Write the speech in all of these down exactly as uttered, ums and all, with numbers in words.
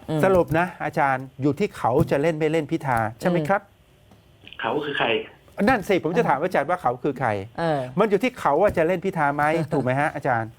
สรุปนะอาจารย์อยู่ที่เขาจะเล่นไม่เล่นพิธาใช่ไหมครับเขาคือใครนั่นสิผมจะถามอาจารย์ว่าเขาคือใครมันอยู่ที่เขาว่าจะเล่นพิธาไหมถูกไหมฮะอาจารย์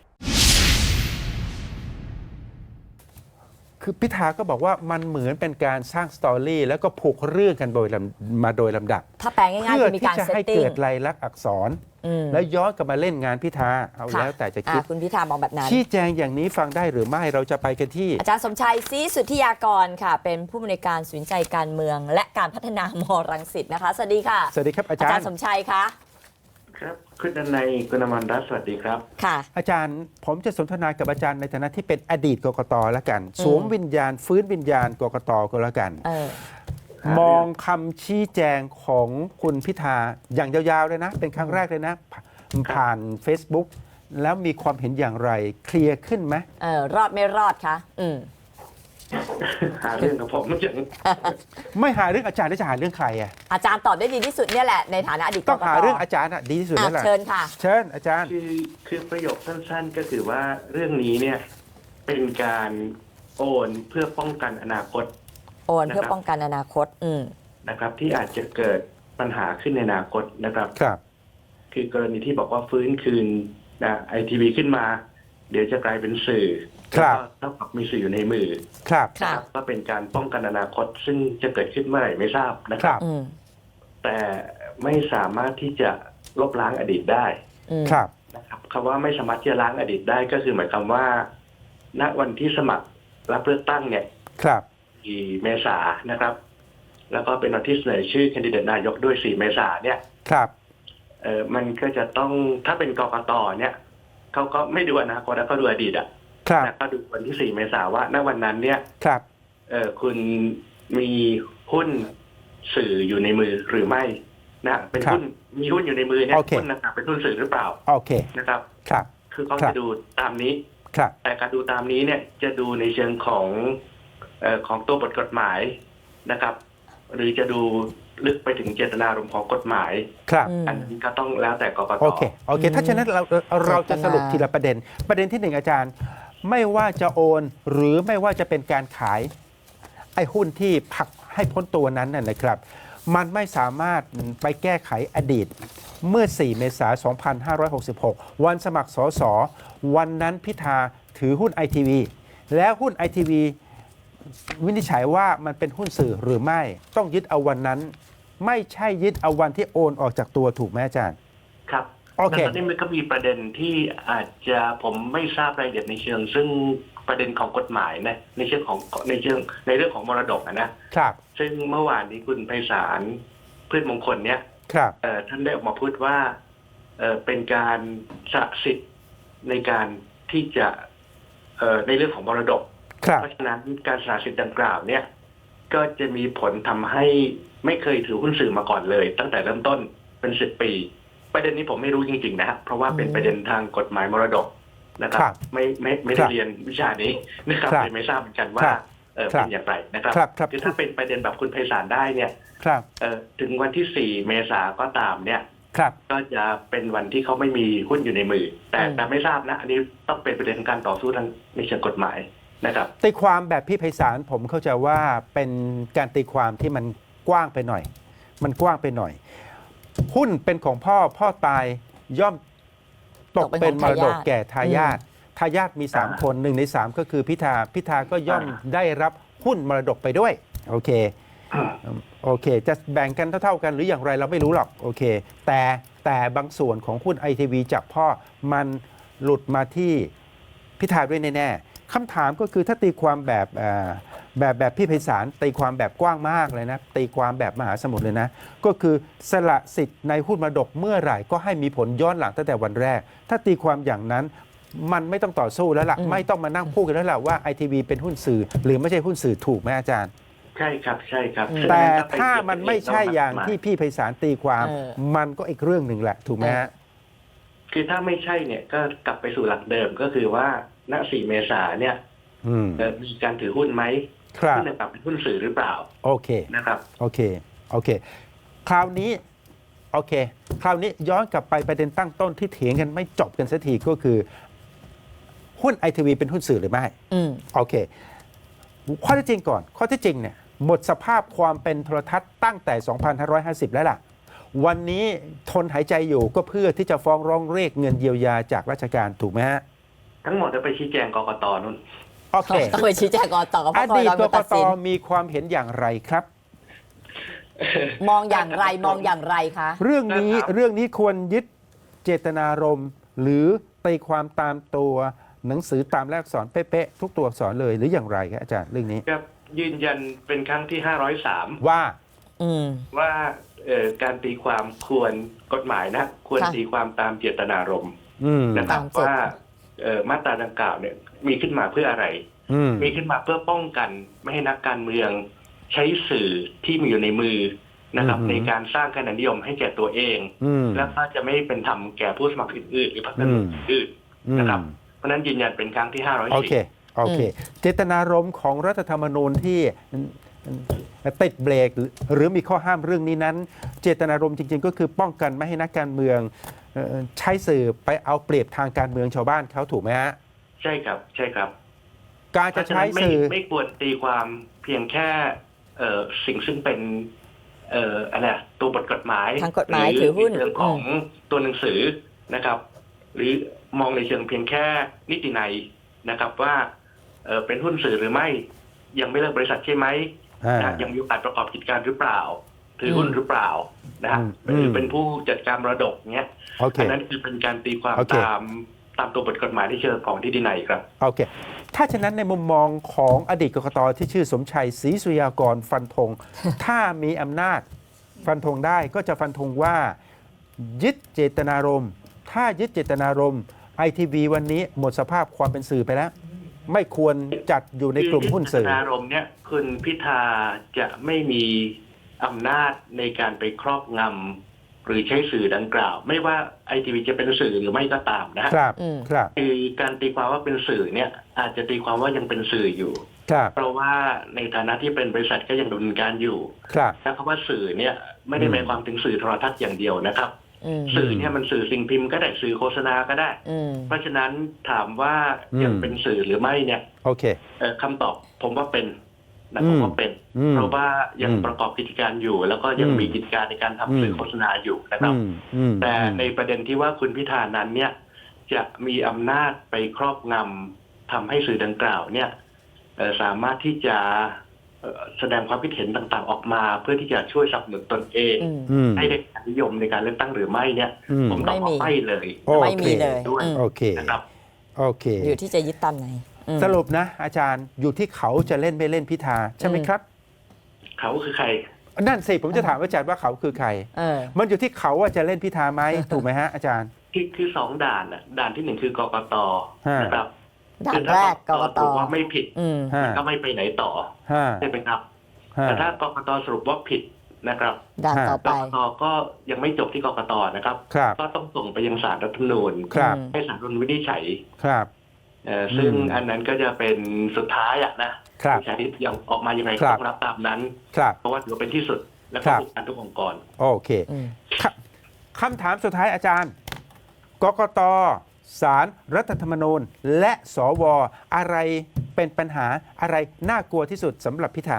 คือพิธาก็บอกว่ามันเหมือนเป็นการสร้างสตอรี่แล้วก็ผูกเรื่องกันโดยมาโดยลำดับถ้าแปลง่ายๆคือมีการเซตติ้งเพื่อที่จะให้เกิดลายลักษณ์อักษรแล้วย้อนกลับมาเล่นงานพิธาเอาแล้วแต่จะคิดคุณพิธามองแบบนั้นชี้แจงอย่างนี้ฟังได้หรือไม่เราจะไปกันที่อาจารย์สมชัยศรีสุทธิยากรค่ะเป็นผู้อำนวยการศูนย์ใจการเมืองและการพัฒนามอรังสิตนะคะสวัสดีค่ะสวัสดีครับอาจารย์อาจารย์สมชัยคะครับคุณดนัยคุณอมรรัตน์สวัสดีครับค่ะอาจารย์ผมจะสนทนากับอาจารย์ในฐานะที่เป็นอดีตกกตแล้วกันสวมวิญญาณฟื้นวิญญาณกกตก็แล้วกันมองคำชี้แจงของคุณพิธาอย่างยาวๆเลยนะเป็นครั้งแรกเลยนะผ่าน Facebook แล้วมีความเห็นอย่างไรเคลียร์ขึ้นไหมเออรอดไม่รอดคะอืมหาเรื่องกับผมไม่ใช่ไม่หาเรื่องอาจารย์แล้วจะหาเรื่องใครอ่ะอาจารย์ตอบได้ดีที่สุดเนี่ยแหละในฐานะอดีตต้องหาเรื่องอาจารย์อ่ะดีที่สุดแล้วแหละเชิญค่ะเชิญอาจารย์คือคือประโยคสั้นๆก็คือว่าเรื่องนี้เนี่ยเป็นการโอนเพื่อป้องกันอนาคตโอนเพื่อป้องกันอนาคตอืมนะครับที่อาจจะเกิดปัญหาขึ้นในอนาคตนะครับครับคือกรณีที่บอกว่าฟื้นคืนนะไอทีวีขึ้นมาเดี๋ยวจะกลายเป็นสื่อครับเท่ากับมีสื่ออยู่ในมือครับครับก็เป็นการป้องกันอนาคตซึ่งจะเกิดขึ้นเมื่อไหร่ไม่ทราบนะครับแต่ไม่สามารถที่จะลบล้างอดีตได้ครับนะครับคำว่าไม่สามารถที่จะล้างอดีตได้ก็คือหมายความว่า ณวันที่สมัครรับเลือกตั้งเนี่ยครับสี่เมษายนนะครับ แล้วก็เป็นวันที่เสนอชื่อแคนดิเดตนายกด้วยสี่เมษายนเนี่ยครับเออมันก็จะต้องถ้าเป็นกกตเนี่ยเขาก็ไม่ดูอนาคตแล้วก็ดูอดีตอ่ะครับก็ดูวันที่สี่เมษายนว่าณวันนั้นเนี่ยครับเออคุณมีหุ้นสื่ออยู่ในมือหรือไม่นะเป็นหุ้นมีหุ้นอยู่ในมือเนี่ยหุ้นนะครับเป็นหุ้นสื่อหรือเปล่าโอเคนะครับครับคือเขาจะดูตามนี้ครับแต่การดูตามนี้เนี่ยจะดูในเชิงของเอ่อของตัวบทกฎหมายนะครับหรือจะดูลึกไปถึงเจตนารมณ์ของกฎหมายครับอันนี้ก็ต้องแล้วแต่กกตโอเคโอเคถ้าฉะนั้นเราเราจะสรุปทีละประเด็นประเด็นที่หนึ่งอาจารย์ไม่ว่าจะโอนหรือไม่ว่าจะเป็นการขายไอ้หุ้นที่ผลักให้พ้นตัวนั้นน่ะนะครับมันไม่สามารถไปแก้ไขอดีตเมื่อสี่เมษายนสองพันห้าร้อยหกสิบหกวันสมัครสสวันนั้นพิธาถือหุ้นไอทีวีแล้วหุ้นไอทีวีวินิจฉัยว่ามันเป็นหุ้นสื่อหรือไม่ต้องยึดเอาวันนั้นไม่ใช่ยึดเอาวันที่โอนออกจากตัวถูกไหมอาจารย์ครับโอเคตอนนี้มันก็มีประเด็นที่อาจจะผมไม่ทราบรายละเอียดในเชิงซึ่งประเด็นของกฎหมายนะในเชิงของในเชิงในเรื่องของมรดกนะครับซึ่งเมื่อวานนี้คุณไพศาลพืชมงคลเนี่ยครับเอ่อท่านได้ออกมาพูดว่าเอ่อเป็นการสละสิทธิ์ในการที่จะเอ่อในเรื่องของมรดกเพราะฉะนั้นการสละสิทธิ์ดังกล่าวเนี่ยก็จะมีผลทำให้ไม่เคยถือหุ้นสื่อมาก่อนเลยตั้งแต่เริ่มต้นเป็นสิบปีประเด็นนี้ผมไม่รู้จริงๆนะครับเพราะว่าเป็นประเด็นทางกฎหมายมรดกนะครับไม่ไม่ไม่ได้เรียนวิชานี้นะครับเลยไม่ทราบเหมือนกันว่าเออเป็นอย่างไรนะครับคือถ้าเป็นประเด็นแบบคุณไพศาลได้เนี่ยเออถึงวันที่สี่เมษาก็ตามเนี่ยก็จะเป็นวันที่เขาไม่มีหุ้นอยู่ในมือแต่แต่ไม่ทราบนะอันนี้ต้องเป็นประเด็นการต่อสู้ทางในเชิงกฎหมายนะครับตีความแบบพี่ไพศาลผมเข้าใจว่าเป็นการตีความที่มันกว้างไปหน่อยมันกว้างไปหน่อยหุ้นเป็นของพ่อพ่อตายย่อมตกเป็นมรดกแก่ทายาททายาทมีสามคนหนึ่งในสามก็คือพิธาพิธาก็ย่อมได้รับหุ้นมรดกไปด้วยโอเคโอเคจะแบ่งกันเท่าๆกันหรืออย่างไรเราไม่รู้หรอกโอเคแต่แต่บางส่วนของหุ้นไอทีวีจากพ่อมันหลุดมาที่พิธาด้วยแน่ๆคำถามก็คือถ้าตีความแบบแบบแบบพี่ไพศาลตีความแบบกว้างมากเลยนะตีความแบบมหาสมุทรเลยนะก็คือสละสิทธิ์ในหุ้นมรดกเมื่อไหร่ก็ให้มีผลย้อนหลังตั้งแต่วันแรกถ้าตีความอย่างนั้นมันไม่ต้องต่อสู้แล้วล่ะไม่ต้องมานั่งพูดกันแล้วล่ะว่าไอทีวีเป็นหุ้นสื่อหรือไม่ใช่หุ้นสื่อถูกไหมอาจารย์ใช่ครับใช่ครับแต่ถ้ามันไม่ใช่อย่างที่พี่ไพศาลตีความมันก็อีกเรื่องหนึ่งแหละถูกไหมฮะคือถ้าไม่ใช่เนี่ยก็กลับไปสู่หลักเดิมก็คือว่าณสี่เมษายนเนี่ยมีการถือหุ้นไหมหุ้นแบบเป็นหุ้นสื่อหรือเปล่าโอเคนะครับโอเคโอเคคราวนี้โอเคคราวนี้ย้อนกลับไปประเด็นตั้งต้นที่เถียงกันไม่จบกันสักทีก็คือหุ้นไอทีวีเป็นหุ้นสื่อหรือไม่โอเคข้อเท็จจริงก่อน ข้อเท็จจริงเนี่ยหมดสภาพความเป็นโทรทัศน์ตั้งแต่ สองพันห้าร้อยห้าสิบ แล้วล่ะ วันนี้ทนหายใจอยู่ก็เพื่อที่จะฟ้องร้องเรียกเงินเยียวยาจากราชการถูกไหมฮะทั้งหมดจะไปชี้แจงกกตนู่นโอเคต้องไปชี้แจงกตเพอราะกดีตตกเป็นกตัดตสินมีความเห็นอย่างไรครับมองอย่างไรมองอย่างไรคะเรื่องนี้ครับเรื่องนี้ควรยึดเจตนารมณ์ หรือตีความตามตัวหนังสือตามแรกอักษรเป๊ะๆทุกตัวอักษรเลยหรืออย่างไรครับอาจารย์เรื่องนี้ครับยืนยันเป็นครั้งที่ห้าร้อยสามว่าอืมว่าเอ่อการตีความควรกฎหมายนะควรค่ะตีความตามเจตนารมณ์อืมนะครับตามเจตว่าเอ่อมาตราดังกล่าวเนี่ยมีขึ้นมาเพื่ออะไรอืมมีขึ้นมาเพื่อป้องกันไม่ให้นักการเมืองใช้สื่อที่มีอยู่ในมือนะครับอืมในการสร้างคะแนนนิยมให้แก่ตัวเองอืมแล้วก็จะไม่เป็นธรรมแก่ผู้สมัครอื่นๆหรือพรรคการเมืองอื่นอืมนะครับ เพราะฉะนั้นยืนยันเป็นครั้งที่ห้าร้อยโอสี่เค โอเค เจตนารมณ์ของรัฐธรรมนูญที่ติดเบรกหรือมีข้อห้ามเรื่องนี้นั้น เจตนารมณ์จริงๆ ก็คือป้องกันไม่ให้นักการเมืองเอ่อใช้สื่อไปเอาเปรียบทางการเมืองชาวบ้านเขาถูกไหมฮะใช่ครับใช่ครับการเพจะราะฉะใช้นั้นไม่สื่อไม่ควรตีความเพียงแค่เอ่อสิ่งซึ่งเป็นเอ่ออะไรอะตัวบทกฎหมายทางกฎหมายถือหุ้นเรื่องของตัวหนังสือนะครับ หรือมองในเชิงเพียงแค่นิตินัยนะครับว่าเอ่อเป็นหุ้นสื่อหรือไม่ยังไม่เลิกบริษัทใช่ไหมอ่านะยังมีโอกาสประกอบกิจการหรือเปล่า ถือหุ้นหรือเปล่านะฮะอืมหรือเป็นผู้จัดการมรดกเนี้ยโอเคอันนั้นคือเป็นการตีความโอเคตามตามตัวบทกฎหมายที่เชิงของนิตินัยครับโอเค ถ้าฉะนั้นในมุมมองของอดีตกกตที่ชื่อสมชัยศรีสุริยากรฟันธง ถ้ามีอำนาจฟันธงได้ก็จะฟันธงว่า ยึดเจตนารมณ์ ถ้ายึดเจตนารมณ์ไอทีวีวันนี้หมดสภาพความเป็นสื่อไปแล้ว ไม่ควรจัดอยู่ในกลุ่มหุ้นสื่อคือที่เจตนารมณ์เนี่ยคุณพิธาจะไม่มีอำนาจในการไปครอบงำหรือใช้สื่อดังกล่าว ไม่ว่าไอทีวีจะเป็นสื่อหรือไม่ก็ตามนะฮะครับอืมครับคือการตีความว่าเป็นสื่อเนี่ยอาจจะตีความว่ายังเป็นสื่ออยู่ครับเพราะว่าในฐานะที่เป็นบริษัทก็ยังดำเนินการอยู่ครับและคำว่าสื่อเนี่ยไม่ได้อืมหมายความถึงสื่อโทรทัศน์อย่างเดียวนะครับอืมสื่อเนี่ยมันสื่อสิ่งพิมพ์ก็ได้สื่อโฆษณาก็ได้อืมเพราะฉะนั้นถามว่ายังเป็นสื่อหรือไม่เนี่ยโอเคเอ่อคำตอบผมว่าเป็นนะอืมผมว่าเป็นอืมเพราะว่ายังอืมประกอบกิจการอยู่ แล้วก็ยังอืมมีกิจการในการทำสื่อมโฆษณาอยู่นะครับอืมอืมแต่อืมในประเด็นที่ว่าคุณพิธานั้นเนี่ยจะมีอำนาจไปครอบงำทำให้สื่อดังกล่าวเนี่ยเอ่อสามารถที่จะเอ่อแสดงความคิดเห็นต่างๆออกมา เพื่อที่จะช่วยสนับสนุนตนเองอืมอืมให้ได้การนิยมในการเลือกตั้งหรือไม่เนี่ยอืมผมตอบว่าไม่มีไม่เลยโอเคไม่มีเลยด้วยอืมโอเคนะครับโอเคอยู่ที่จะยึดตามไหนอืมสรุปนะ อาจารย์อยู่ที่เขาจะเล่นไม่เล่นพิธาใช่ไหมอืมครับเขาคือใครนั่นสิผมจะถามอาจารย์ว่าเขาคือใครเออมันอยู่ที่เขาว่าจะเล่นพิธาไหม ถูกไหมฮะอาจารย์คือคือสองด่านน่ะด่านที่หนึ่งคือกกตฮะนะครับด่าคืนอถ้แรกกกตถือว่าไม่ผิดอืมห้าก็ไม่ไปไหนต่อห้าใช่ไหมครับห้าแต่ถ้ากกตสรุปว่าผิดนะครับด่านต่อก ไปกตก็ยังไม่จบที่กกตนะครับครับก็ต้องส่งไปยังศาลรัฐธรรมนูญครับอืมให้ศาลรัฐธรรมนูญวินิจฉัยครับเอ่อซึ่งอืมอันนั้นก็จะเป็นสุดท้ายอะนะครับ ใช้ยังออกมายังไงคก็รับต้องรับตามนั้นครับเพราะว่าถือว่าเป็นที่สุดและครัก็บผูกพันทุกองค์กรโอเคอืมคคำถามสุดท้ายอาจารย์ กกตศาลรรัฐธรรมนูญ และสวอะไรเป็นปัญหาอะไรน่ากลัวที่สุดสำหรับพิธา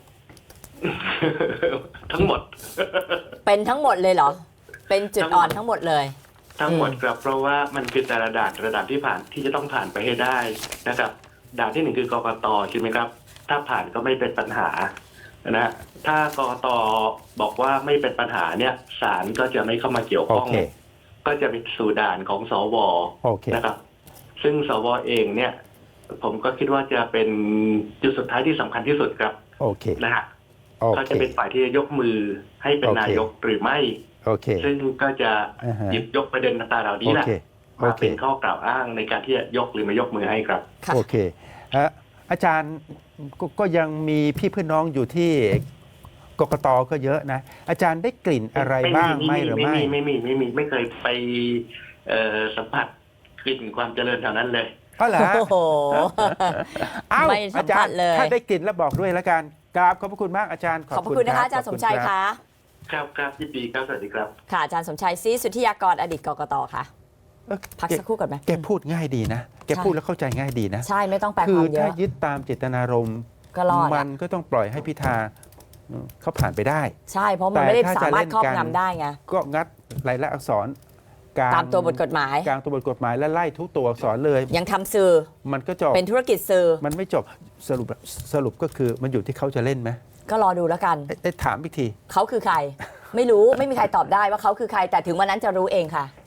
ทั้งหมดเป็นทั้งหมดเลยเหรอ เป็นจุดอ่อนทั้งหมดเลยทั้งหมดอืมครับเพราะว่ามันคือแต่ละด่านแต่ละด่านที่ผ่านที่จะต้องผ่านไปให้ได้นะครับด่านที่หนึ่งคือกกตใช่ไหมครับ ถ้าผ่านก็ไม่เป็นปัญหานะถ้ากกตบอกว่าไม่เป็นปัญหาเนี่ยศาลก็จะไม่เข้ามาเกี่ยวโอข้องเคก็จะเป็นสู่ด่านของสวโอเคนะครับ ซึ่งสวเองเนี่ย ผมก็คิดว่าจะเป็นจุดสุดท้ายที่สำคัญที่สุดครับโอเคนะฮะโอเขาเคจะเป็นฝ่ายที่จะยกมือให้เป็นโอเคนายกหรือไม่โอเคซึ่งก็จะอ่าฮะหยิบยกประเด็นต่างๆเหล่านี้โอแหละเค โอมาเคเป็นข้อกล่าวอ้างในการที่จะยกหรือไม่ยกมือให้ครับค่ะโอเคเอ่ออาจารย์กก็ยังมีพี่เพื่อนน้องอยู่ที่กกตก็เยอะนะ อาจารย์ได้กลิ่นอะไรบ้างไหมหรือไม่ไม่มีไม่มีไม่มีไม่เคยไปเอ่อสัมผัสกลิ่นความเจริญแถวนั้นเลยอ๋อเหรอฮะโอ้โหเอ้าไม่สัอาม จาผัรสย์เลยถ้าได้กลิ่นแล้วบอกด้วยแล้วกันกราบขอบพระคุณมากอาจารย์ขอบพระคุณนะคะอาจารย์สมชัยรับคะครับครับยินดีครับสวัสดีครับค่ะอาจารย์สมชัยศรีสุทธิยากรอดีตกกตค่ะเอ้อพักสักครู่ก่อนไหมแกพูดง่ายดีนะ แกใช่พูดแล้วเข้าใจง่ายดีนะใช่ไม่ต้องแปลคืคอวามเยถ้าอะยึดตามเจตนารมณ์ก็รอดมันก็ต้องปล่อยให้พิธาเขาผ่านไปได้ใช่เพราะมันไม่ได้แต่ถ้าสามารถจะเล่นครอบกันงำได้ไงก็งัดรายละอักษรกลางตามตัวบทกฎหมายกลางตัวบทกฎหมายและไล่ทุกตัวอักษรเลยยังทำสื่อมันก็จบเป็นธุรกิจสื่อมันไม่จบสรุปสรุปก็คือมันอยู่ที่เขาจะเล่นไหมก็รอดูแล้วกันเอ๊ะเอ๊ะถามอีกทีเขาคือใคร ไม่รู้ไม่มีใครตอบได้ว่าเขาคือใคร แต่ถึงวันนั้นจะรู้เองค่ะ